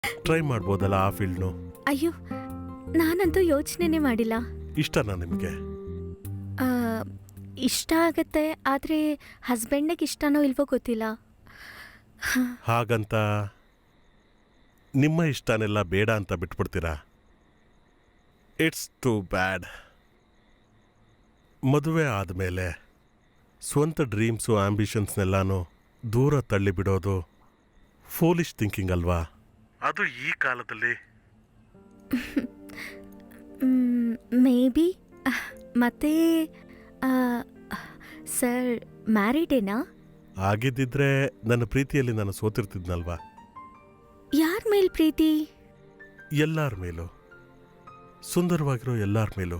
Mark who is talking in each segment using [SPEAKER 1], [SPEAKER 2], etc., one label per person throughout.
[SPEAKER 1] Try ಮಾಡ್ಬೋದಲ್ಲ ಆ ಫೀಲ್ಡ್ನು?
[SPEAKER 2] ಅಯ್ಯೋ, ನಾನಂತೂ ಯೋಚನೆನೇ ಮಾಡಿಲ್ಲ.
[SPEAKER 1] ಇಷ್ಟನಾ ನಿಮಗೆ?
[SPEAKER 2] ಆ, ಇಷ್ಟ ಆಗತ್ತೆ, ಆದರೆ ಹಸ್ಬೆಂಡಿಗೆ ಇಷ್ಟನೋ ಇಲ್ವೋ ಗೊತ್ತಿಲ್ಲ.
[SPEAKER 1] ಹಾಗಂತ ನಿಮ್ಮ ಇಷ್ಟನೆಲ್ಲ ಬೇಡ ಅಂತ ಬಿಟ್ಬಿಡ್ತೀರಾ? It's too bad. ಮದುವೆ ಆದಮೇಲೆ ಸ್ವಂತ ಡ್ರೀಮ್ಸು ಆಂಬಿಷನ್ಸ್ನೆಲ್ಲಾನು ದೂರ ತಳ್ಳಿಬಿಡೋದು ಫೂಲಿಶ್ ಥಿಂಕಿಂಗ್ ಅಲ್ವಾ? ಅದು ಈ ಕಾಲದಲ್ಲಿ.
[SPEAKER 2] Maybe. ಮತ್ತೆ ಸರ್ ಮ್ಯಾರಿಡೇನಾ?
[SPEAKER 1] ಆಗಿದ್ದಿದ್ರೆ ನನ್ನ ಪ್ರೀತಿಯಲ್ಲಿ ನಾನು ಸೋತಿರ್ತಿದ್ನಲ್ವಾ?
[SPEAKER 2] ಯಾರ ಮೇಲ್ ಪ್ರೀತಿ?
[SPEAKER 1] ಎಲ್ಲರ ಮೇಲೂ, ಸುಂದರವಾಗಿರೋ ಎಲ್ಲರ ಮೇಲೂ.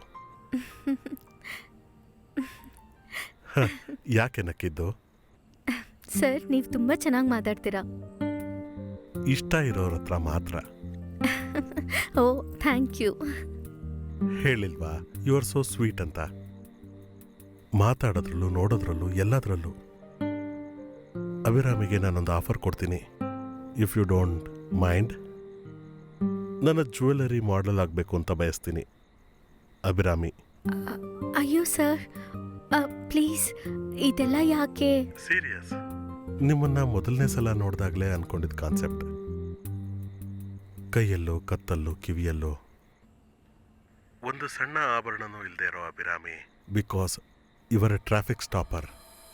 [SPEAKER 1] ಯಾಕೆ ನಕ್ಕಿದ್ದು?
[SPEAKER 2] ಸರ್, ನೀವು ತುಂಬ ಚೆನ್ನಾಗಿ ಮಾತಾಡ್ತೀರಾ.
[SPEAKER 1] ಇಷ್ಟ ಇರೋರ ಹತ್ರ ಮಾತ್ರ.
[SPEAKER 2] ಓ, ಥ್ಯಾಂಕ್ ಯು.
[SPEAKER 1] ಹೇಳಿಲ್ವಾ ಯು ಆರ್ ಸೋ ಸ್ವೀಟ್ ಅಂತ? ಮಾತಾಡೋದ್ರಲ್ಲೂ ನೋಡೋದ್ರಲ್ಲೂ ಎಲ್ಲದರಲ್ಲೂ. ಅಭಿರಾಮಿಗೆ ನಾನೊಂದು ಆಫರ್ ಕೊಡ್ತೀನಿ, ಇಫ್ ಯು ಡೋಂಟ್ ಮೈಂಡ್. ನನ್ನ ಜ್ಯುವೆಲರಿ ಮಾಡೆಲ್ ಆಗಬೇಕು ಅಂತ ಬಯಸ್ತೀನಿ, ಅಭಿರಾಮಿ.
[SPEAKER 2] ಅಯ್ಯೋ ಸರ್, ಪ್ಲೀಸ್, ಇದೆಲ್ಲ ಯಾಕೆ?
[SPEAKER 1] ಸೀರಿಯಸ್. ನಿಮ್ಮನ್ನ ಮೊದಲನೇ ಸಲ ನೋಡಿದಾಗಲೇ ಅನ್ಕೊಂಡಿದ್ದ ಕಾನ್ಸೆಪ್ಟ್. ಕೈಯಲ್ಲೋ ಕತ್ತಲ್ಲೋ ಕಿವಿಯಲ್ಲೋ ಒಂದು ಸಣ್ಣ ಆಭರಣನೂ ಇಲ್ಲದೆ ಇರೋ ಅಭಿರಾಮಿ, ಬಿಕಾಸ್ ಇವರ ಟ್ರಾಫಿಕ್ ಸ್ಟಾಪರ್.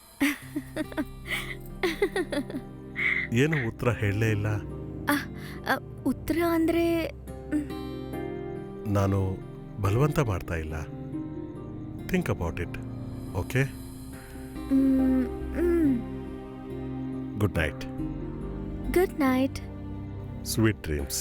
[SPEAKER 1] ಏನು ಉತ್ತರ ಹೇಳಲೇ ಇಲ್ಲ?
[SPEAKER 2] ಉತ್ತರ ಅಂದ್ರೆ
[SPEAKER 1] ನಾನು ಬಲವಂತ ಮಾಡ್ತಾ ಇಲ್ಲ. Think about it, okay? Good night.
[SPEAKER 2] Good night.
[SPEAKER 1] Sweet dreams.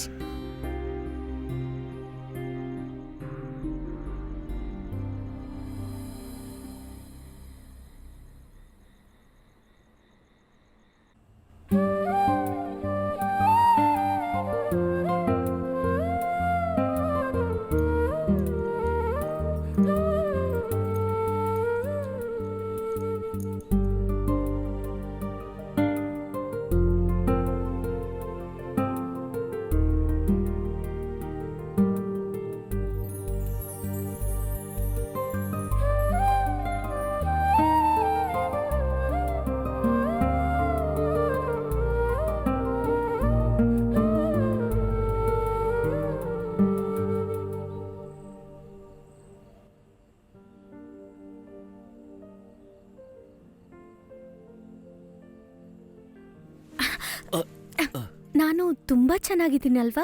[SPEAKER 2] ನಾನು ತುಂಬಾ ಚೆನ್ನಾಗಿದ್ದೀನಲ್ವಾ?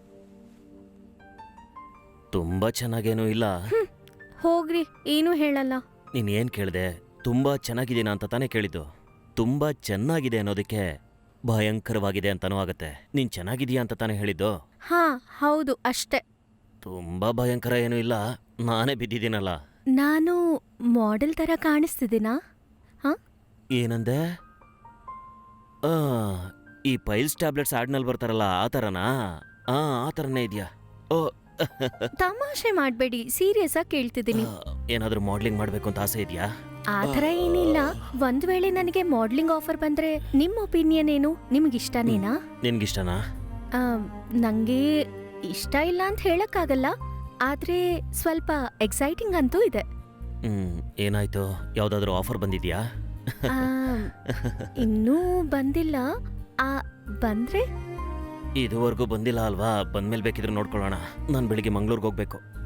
[SPEAKER 3] ತುಂಬಾ ಚೆನ್ನಾಗೇನೂ ಇಲ್ಲ.
[SPEAKER 2] ಹೋಗ್ರಿ, ಏನೂ ಹೇಳಲ್ಲ.
[SPEAKER 3] ನೀನ್ ಏನ್ ಕೇಳ್ದೆ? ತುಂಬಾ ಚೆನ್ನಾಗಿದ್ದೀನ ಅಂತ ತಾನೇ ಕೇಳಿದ್ದು. ತುಂಬಾ ಚೆನ್ನಾಗಿದೆ ಅನ್ನೋದಕ್ಕೆ ಭಯಂಕರವಾಗಿದೆ ಅಂತಾನೂ ಆಗತ್ತೆ. ನೀನ್ ಚೆನ್ನಾಗಿದೀಯ ಅಂತ ತಾನೇ ಹೇಳಿದ್ದು.
[SPEAKER 2] ಹಾ, ಹೌದು, ಅಷ್ಟೇ.
[SPEAKER 3] ತುಂಬಾ ಭಯಂಕರ ಏನೂ ಇಲ್ಲ, ನಾನೇ ಬಿದ್ದಿದ್ದೀನಲ್ಲ.
[SPEAKER 2] ನಾನು ಮಾಡೆಲ್ ತರ ಕಾಣಿಸ್ತಿದ್ದೀನಾ? ಹಾ?
[SPEAKER 3] ಏನಂದೆ? ಈ ಪೈಲ್ಸ್ ಟ್ಯಾಬ್ಲೆಟ್ಸ್ ಆಡ್ನಲ್ಲಿ ಬರ್ತಾರಲ್ಲ, ಆ ಥರನಾ? ಆ ಥರನೇ ಇದೆಯಾ? ಓ,
[SPEAKER 2] ತಮಾಷೆ ಮಾಡ್ಬೇಡಿ, ಸೀರಿಯಸ್ ಆಗಿ ಕೇಳ್ತಿದ್ದೀನಿ.
[SPEAKER 3] ಏನಾದ್ರೂ ಮಾಡ್ಲಿಂಗ್ ಮಾಡ್ಬೇಕು ಅಂತ ಆಸೆ ಇದೆಯಾ?
[SPEAKER 2] ಆ ಥರ ಏನಿಲ್ಲ. ಒಂದ್ ವೇಳೆ ನನಗೆ ಮಾಡ್ಲಿಂಗ್ ಆಫರ್ ಬಂದ್ರೆ ನಿಮ್ ಒಪಿನಿಯನ್ ಏನು? ನಿಮ್ಗಿಷ್ಟನೇನಾ?
[SPEAKER 3] ನಿನ್ಗಿಷ್ಟನಾ?
[SPEAKER 2] ನಂಗೆ ಇಷ್ಟ ಇಲ್ಲ ಅಂತ ಹೇಳಕ್ಕಾಗಲ್ಲ, ಆದ್ರೆ ಸ್ವಲ್ಪ ಎಕ್ಸೈಟಿಂಗ್ ಅಂತೂ ಇದೆ.
[SPEAKER 3] ಏನಾಯ್ತು? ಯಾವ್ದಾದ್ರು ಆಫರ್ ಬಂದಿದ್ಯಾ?
[SPEAKER 2] ಇನ್ನೂ ಬಂದಿಲ್ಲ. ಬಂದ್ರೆ?
[SPEAKER 3] ಇದುವರೆಗೂ ಬಂದಿಲ್ಲ ಅಲ್ವಾ? ಬಂದ್ಮೇಲೆ ಬೇಕಿದ್ರೆ ನೋಡ್ಕೊಳ್ಳೋಣ. ನಾನು ಬೆಳಿಗ್ಗೆ ಮಂಗ್ಳೂರ್ಗೆ ಹೋಗ್ಬೇಕು.